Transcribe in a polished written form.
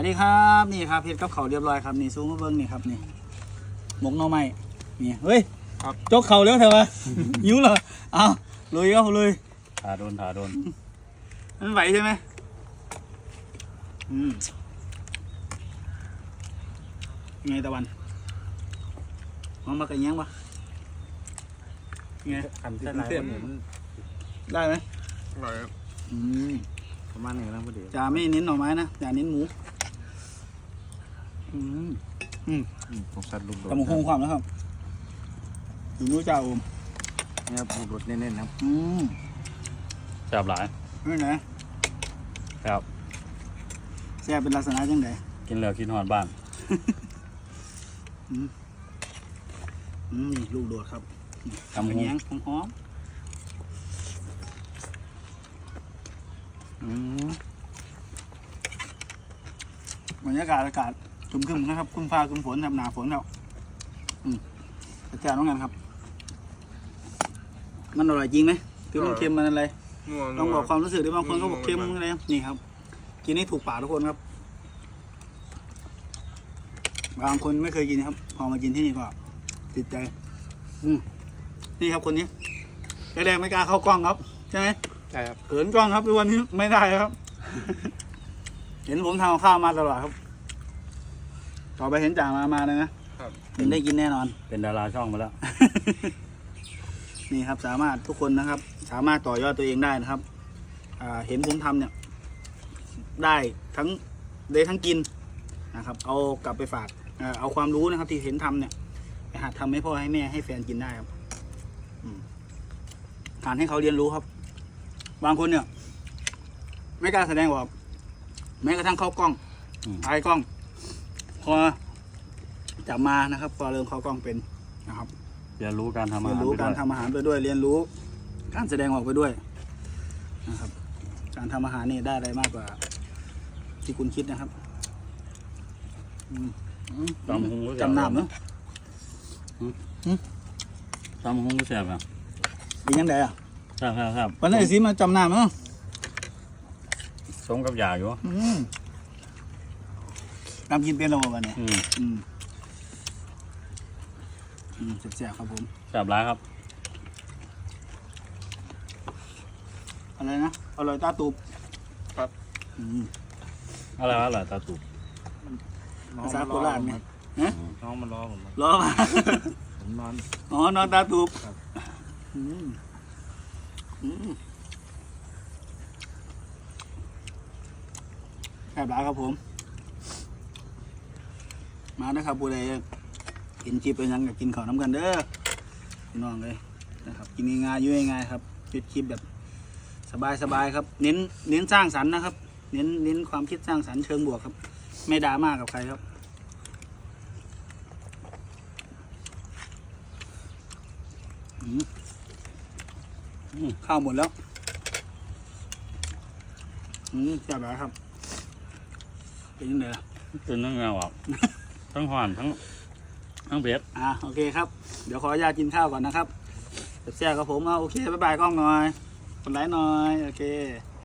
สวัสดีครับนี่ครับเฮ็ดกับเขาเรียบร้อยครับนี่ซูมมาเบิ้งนี่ครับนี่หมกหน่อไม้นี่เฮ้ยครับจกเข่าเร็วเถอะวะ หิวเหรอเอาลุยครับลุยถาโดนมันไหวใช่ไหมไงตะวันมองมากระเงี้ยงปะไงทำเส้นลายมันได้ไหมอร่อยครับประมาณนี้นะพอดีจ่าไม่เน้นหน่อไม้นะจ่าเน้นหมูผมสัตว์ลูกโดดกำลังคงความแล้วครับถึงนู้จ่าอมนี่ครับลูกโดดเน้นๆครับแซ่บหลายนี่ไหนครับแซ่บเป็นลักษณะจังไงกินแล้วกินหอนบ้านนี่ลูกโดดครับกำแหงหอมบรรยากาศอากาศครึมๆนะครับครึมฟ้าครึมฝนครับหนาฝนแล้วแจ่วน้องงานครับมันอร่อยจริงไหมคือมันเค็มมันอะไรต้องบอกความรู้สึกด้วยบางคนก็บอกเค็มอะไรนี่ครับกินให้ถูกปากทุกคนครับบางคนไม่เคยกินครับพอมากินที่นี่ก็ติดใจนี่ครับคนนี้แรกๆไม่กล้าเข้ากล้องครับใช่ไหมใช่ครับเขินกล้องครับทุกวันนี้ไม่ได้ครับ เห็นผมทำข้าวมาตลอดครับต่อไปเห็นจ่ามาเลยนะครับได้กินแน่นอนเป็นดาราช่องมาแล้วนี่ครับสามารถทุกคนนะครับสามารถต่อยอดตัวเองได้นะครับเห็นผมทำเนี่ยได้ทั้งกินนะครับเอากลับไปฝากเอาความรู้นะครับที่เห็นทำเนี่ยไปหัดทำให้พ่อให้แม่ให้แฟนกินได้ครับการให้เขาเรียนรู้ครับบางคนเนี่ยไม่กล้าแสดงออกแม้กระทั่งเข้ากล้องอายกล้องพอจับมานะครับพอเริ่มเข้ากล้องเป็นนะครับเรียนรู้การทำอาหารเรียนรู้การทำอาหารไปด้วยเรียนรู้การแสดงออกไปด้วยนะครับการทำอาหารนี่ได้อะไรมากกว่าที่คุณคิดนะครับจำน้ำเนาะจำหงก็แซ่บอ่ะเป็นยังไงอ่ะครับวันนี้สิมาจำน้ำเนาะสมกับยาอยู่น้ำกินเป็นระบบวันนี้แซ่บๆครับผมแซ่บร้ายครับอะไรนะอร่อยตาตูบครับอะไรตาตูบภาษาโคราชเนี่ยน้องมันรอผมรอผมนอนนอนตาตูบแซ่บร้ายครับผมมานะครับผู้ใดกินคลิปเป็นยังกับกินข้าวน้ำกันเด้อพี่น้องเลยนะครับกินง่ายๆยุ่ยง่ายครับคลิปแบบสบายๆครับเน้นสร้างสรรค์นะครับเน้นความคิดสร้างสรรค์เชิงบวกครับไม่ดราม่ากับใครครับข้าวหมดแล้วแซ่บร้ายครับเป็นยังไงล่ะเป็นทั้งเงาอ่ะทั้งหวานทั้งเผ็ดโอเคครับเดี๋ยวขออนุญาตกินข้าวก่อนนะครับแซ่บๆกับผมโอเคบ๊ายบายกล้องหน่อยกดไลค์หน่อยโอเค